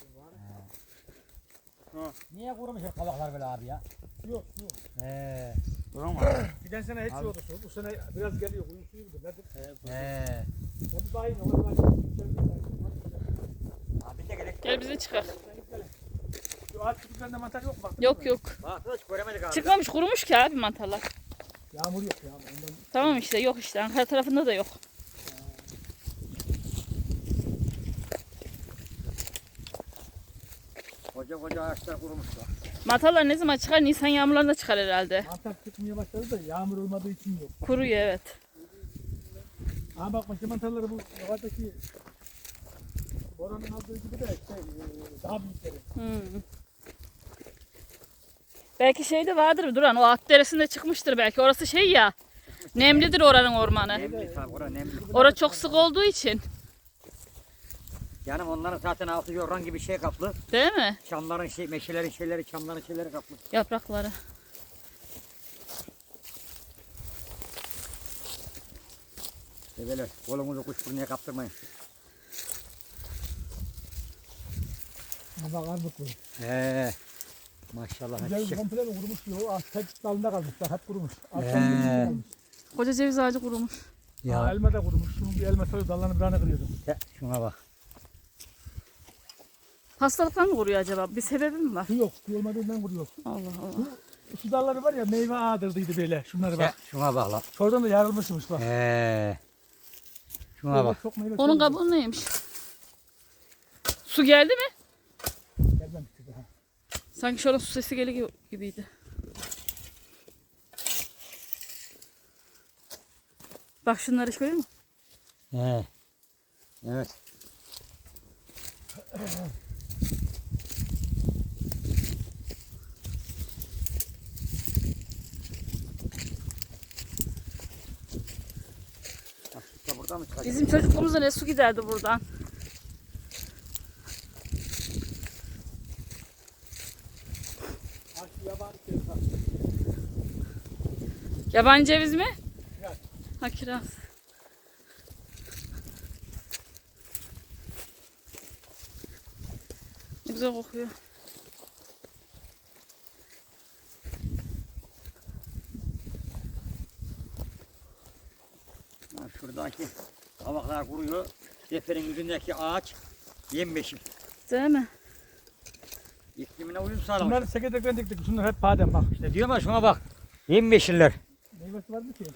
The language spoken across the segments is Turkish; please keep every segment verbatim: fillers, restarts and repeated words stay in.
Ha. Niye kurumuş hep kabaklar böyle abi ya? Yok yok. He. Tamam. Geçen sene hiç yoktu. Bu sene biraz geliyor. Kuyum suyu mudur? Nedir? He. Ben bir bakayım. Ona bakayım. Abi de gerek. Gel bize çıkar. Şu ağaç kütüklerinde mantar yok mu? Baktın Yok mı? yok. Bak hiç göremedik abi. Çıkmamış kurumuş ki abi mantarlar. Yağmur yok ya. Ondan... Tamam işte yok işte Ankara tarafında da yok. Koca koca ağaçlar kurumuşlar. Mantarlar ne zaman çıkar? Nisan yağmurlarında çıkar herhalde. Mantar çıkmaya başladı da yağmur olmadığı için yok. Kuruyor evet. Ama bak başka mantarları bu yukarıdaki Boran'ın aldığı gibi de şey, e, daha büyükleri. Hmm. Belki şey de vardır Duran. O at deresinde çıkmıştır belki. Orası şey ya. Nemlidir oranın ormanı. Nemli tabi orası nemli. Orası çok sık olduğu için. Yani onların zaten altı yorgan gibi şey kaplı. Değil mi? Çamların şey, meşelerin şeyleri, çamların şeyleri kaplı. Yaprakları. Develer, kolumuzu kuş burnuya kaptırmayın. Bak armut bu. He. Maşallah. Güzel Çiçek. komple mi kurumuş diyor. Ağaç tek dalında kalmışlar. Hep kurumuş. Ağaç He. dalında kalmış. Koca ceviz ağacı kurumuş. Ya. Ya. Elma da kurumuş. Şunun bir elma sarı dallarını birine kırıyordum. He, şuna bak. Hastalıktan mı kuruyor acaba? Bir sebebi mi var? Su yok. Su olmadığından kuruyor. Allah Allah. Şu dalları var ya meyve ağdırdıydı böyle. Şunları He, bak. şuna bak lan. Şuradan da yarılmışmış bak. He. Şuna bak. Çok meyve Onun çok kabuğu neymiş? Su geldi mi? gelmemişti daha. Sanki şuradan su sesi geliyor gibiydi. Bak şunları hiç görüyor musun? He. Evet. Bak işte burada mı çıkacak? Bizim çocukluğumuzda ne su giderdi buradan. Ha şu yabani ceviz bak. Yabancı ceviz mi? Kiraz. Ha kiraz. Ne güzel kokuyor. Ha, şuradaki kabaklar kuruyor. Deferin yüzündeki ağaç yemyeşil. Değil mi? İklimine uyum sağlamış. Bunları çekirdekten diktik. Şunlar hep badem bak. Ne diyor ama şuna bak. Yemyeşiller. Meyvesi var mı ki?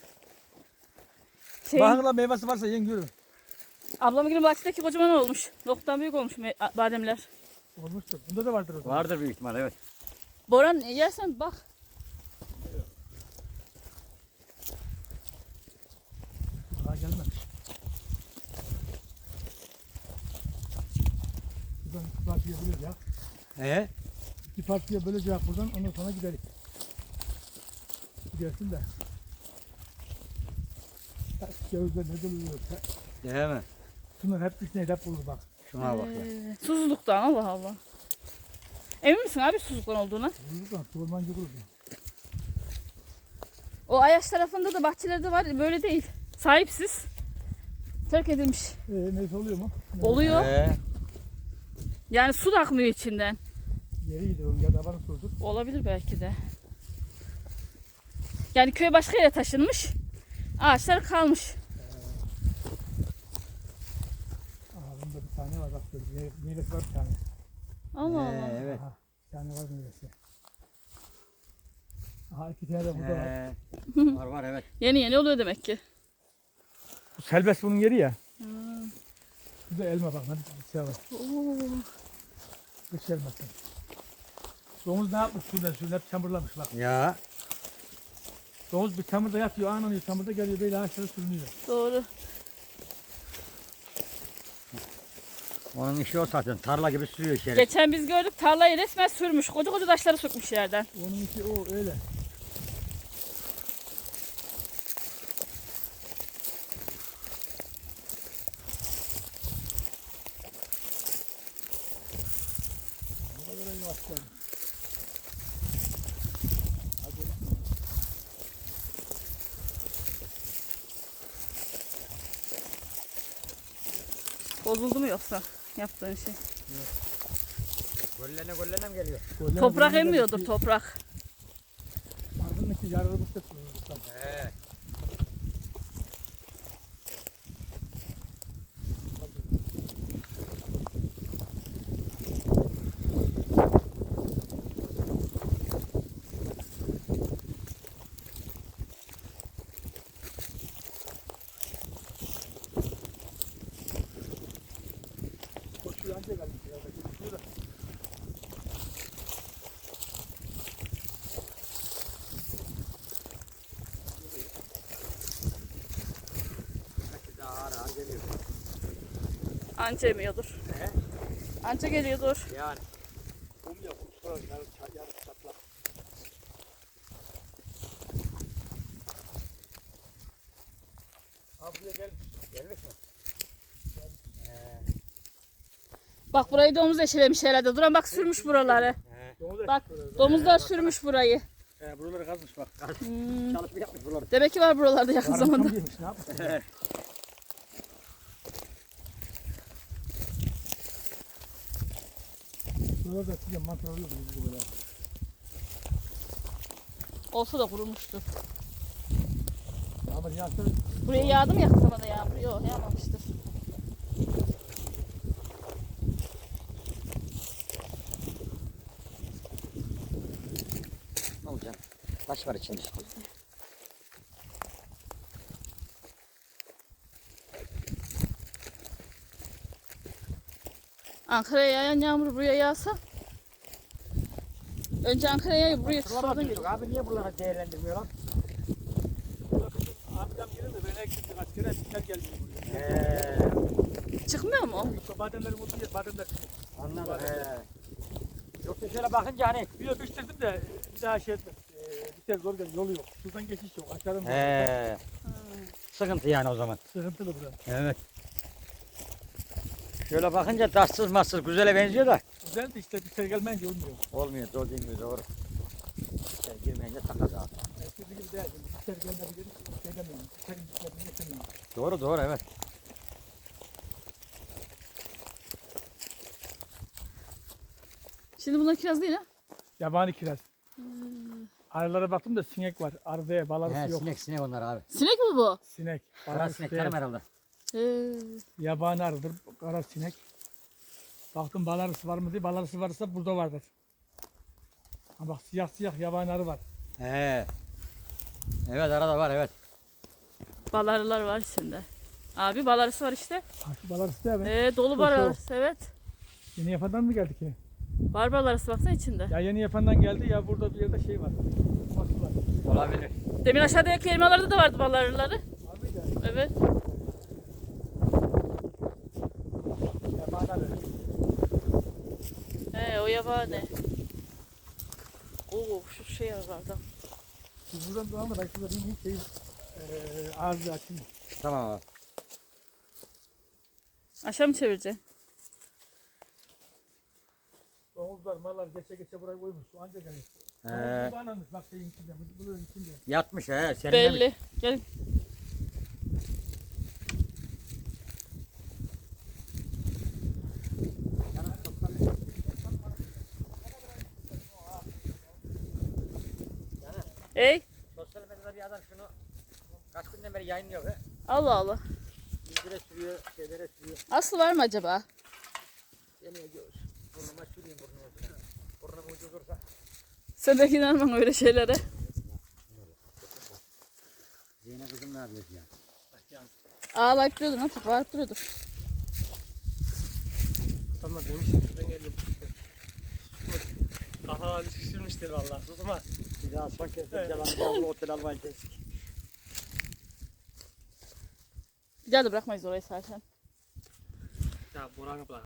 Şey, Bakın lan meyvesi varsa yiyin görün. ablamın gibi bahçedeki kocaman olmuş. Noktadan büyük olmuş me- bademler. Olmuştur. Bunda da vardır o zaman. Vardır büyük ihtimal evet. Boran yersen bak. Daha gelmemiş. Buradan iki partiye böleceğiz. Ee? İki partiye böleceğiz buradan. Ondan sonra gidelim. Gidersin de. Cevizler ne doluyor? Değil mi? Şunlar hep üstüne hep bulur bak. Şuna bak ya. Ee, susuzluktan Allah Allah. Emin misin abi susuzluktan olduğuna? Bulur da ormancı bulur. O Ayaş tarafında da bahçelerde var böyle değil. Sahipsiz. Terk edilmiş. Ee, neyse oluyor mu? Ne? Oluyor. Ee? Yani su da akmıyor içinden. Yeri gidiyor. Ya da bana sordur. Olabilir belki de. Yani köy başka yere taşınmış. Ağaçlar kalmış. Aha bunda bir tane var bak. Böyle. Meyve- Meyvesi var bir tane. Allah Allah. Ee, evet. Aha, bir tane var meyvesi. Aha iki tane de burada var. Ee, var var evet. Yeni yeni oluyor demek ki. Bu selbest bunun yeri ya. Hmm. Bu da elma bak. Hadi bir şey var. Oo. Kış elması. Domuz ne yapmış şuradan şuradan hep çamurlamış bak. Ya. Domuz bir çamurda yatıyor, anlanıyor, çamurda geliyor böyle ağaçlara sürünüyor. Doğru. Onun işi o zaten. Tarla gibi sürüyor içeri. Geçen biz gördük tarlayı resmen sürmüş. Koca koca taşları sökmüş yerden. Onun işi o öyle. Bu kadar yavaş geldi. Bozuldu mu yoksa yaptığın şey? Yok. Gollene gollene mi geliyor? Golleme Toprak golleme emmiyordur geldi. toprak. Ardındaki yararı bu ses. He. Koşuyor anca gelmiş ya. Gidiyor da. Daha ağır ağır geliyor. Anca emiyordur. He? Anca geliyordur. Yani. Kum ya kum sonra yarı ça- yarı çatlak. Abi buraya gel. Gelmiş mi? He. Bak burayı domuz eşelemiş herhalde. Duran bak sürmüş buraları. He. Domuz Bak ekmek domuzlar sürmüş burayı. He, buraları kazmış bak. Hmm. Çalışma yapmış buraları. Demek ki var buralarda yakın Armut zamanda. yemiş ne yapmış? He. Buralar da size mantar alıyordu biz böyle. Olsa da kurumuştu. Ama yağsa Buraya yağdı mı yakın zamanda yağmur? Yok yağmamıştır. Ne olacak? Taş var içinde işte. Ankara'ya yağan yağmur buraya yağsa. Önce Ankara'ya yağıyor buraya Şuralara tutmadan düştük geliyor. abi niye buralara değerlendirmiyorlar? amcam gelir de ben eksiktim kaç kere dikler gelmiyor buraya. He. Çıkmıyor mu? Bademlerim olduğu yer bademler. Anladım. He. Yoksa şöyle bakınca hani. Bir de bitirdim de bir daha şey etmez. Ee, biter zor geliyor yolu yok. Şuradan geçiş yok. Aşağıdan He. Sıkıntı yani o zaman. sıkıntılı burası. Evet. Şöyle bakınca taşsız massız güzele benziyor da. Güzel de işte biter gelmeyince olmuyor. Olmuyor doğru değil mi doğru. Sen girmeyince takas abi. Eskisi gibi değil. Biter gelmedi dedik. Şey demiyorum. Biterin bitmediğini geçemiyorum. Doğru doğru evet. Şimdi bunlar kiraz değil ha? Yabani kiraz. Arılara baktım da sinek var. Arıda balarısı He, yok. sinek sinek onlar abi. Sinek mi bu? Sinek. Kara Balarısı sinek değil. tanım herhalde. Ee, Yabani arıdır. Kara sinek. Baktım balarısı var mı diye. Balarısı varsa burada vardır. Ha bak siyah siyah yabani arı var. He. Evet arada var evet. balarılar var içinde. Abi balarısı var işte. Ha şu balarısı değil mi? Ee, dolu Şu, balarısı evet. Yeni yapandan mı geldi ki? Var balarısı baksana içinde. Ya yeni yapandan geldi ya burada bir yerde şey var. Ufak var. Olabilir. Demin aşağıdaki elmalarda da vardı balarıları. Var mıydı? Evet. Yabani arı. He o yabani. Oo şu şey vardı. Siz buradan devam da ben şurada bir şey eee ağzı açayım. Tamam abi. Aşağı mı çevireceksin? Domuzlar, mallar geçe geçe buraya koymuş. Su anca gelir. He. Domuz bağlanmış bak şeyin içinde. Bunun içinde. Yatmış he. Senin de mi? Belli. Gel. Ey. Sosyal medyada bir adam şunu kaç günden beri yayınlıyor he. Allah Allah. İncire sürüyor, şeylere sürüyor. Aslı var mı acaba? Deniyor göğüs. Burnuma süreyim burnuma. Burnum ucu dursa. Sen de inanmam öyle şeylere. Zeynep kızım ne yapıyor ya? Ağlayıp duruyordur. Nasıl bağırıp duruyordur. Tamam demiş. Ben geldim. Aha şişirmiştir vallahi. Tutma. Bir daha son kez Evet. yalan otel almayı kestik. Bir daha da bırakmayız orayı zaten. Ya Boran'ı bırak.